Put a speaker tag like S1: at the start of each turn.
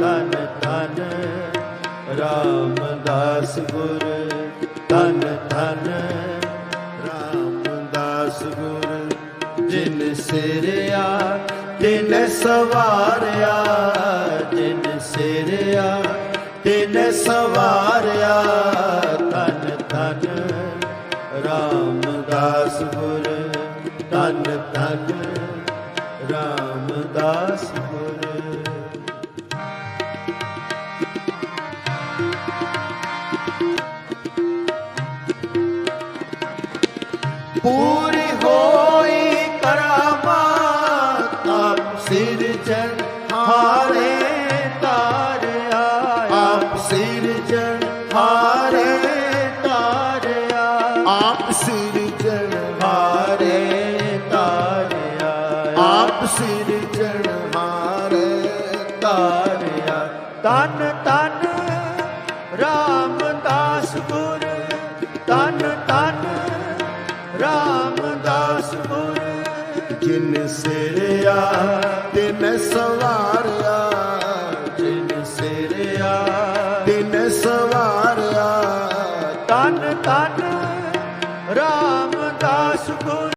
S1: ਧਨ ਧਨ ਰਾਮਦਾਸ ਗੁਰ, ਧਨ ਧਨ ਰਾਮਦਾਸ ਗੁਰ। ਜਿਨ ਸਿਰਿਆ ਤਿਨ ਸਵਾਰਿਆ, ਜਿਨ ਸਿਰਿਆ ਤਿਨ ਸਵਾਰਿਆ, ਧਨ ਧਨ ਰਾਮਦਾਸ ਗੁਰ, ਧਨ ਧਨ ਰਾਮਦਾਸ ਗੁਰ। ਪੂਰੀ ਹੋਈ ਕਰਾਮਾਤ ਆਪ ਸਿਰਜਣ ਹਾਰੇ ਤਾਰਿਆ, ਆਪ ਸਿਰਜਣ ਹਾਰੇ ਤਾਰਿਆ,
S2: ਆਪ ਸਿਰਜਣ
S1: ਹਾਰੇ ਤਾਰਿਆ,
S2: ਆਪ ਸਿਰਜਣ ਹਾਰੇ
S1: ਤਾਰਿਆ। ਧੰਨ ਧੰਨ ਰਾਮਦਾਸ ਗੁਰ, ਧੰਨ ਧੰਨ ਰਾਮਦਾਸ ਗੁਰ।
S2: ਜਿਨ ਸਿਰਿਆ ਤਿਨ ਸਵਾਰਿਆ,
S1: ਜਿਨ ਸਿਰਿਆ
S2: ਤਿਨ ਸਵਾਰਿਆ,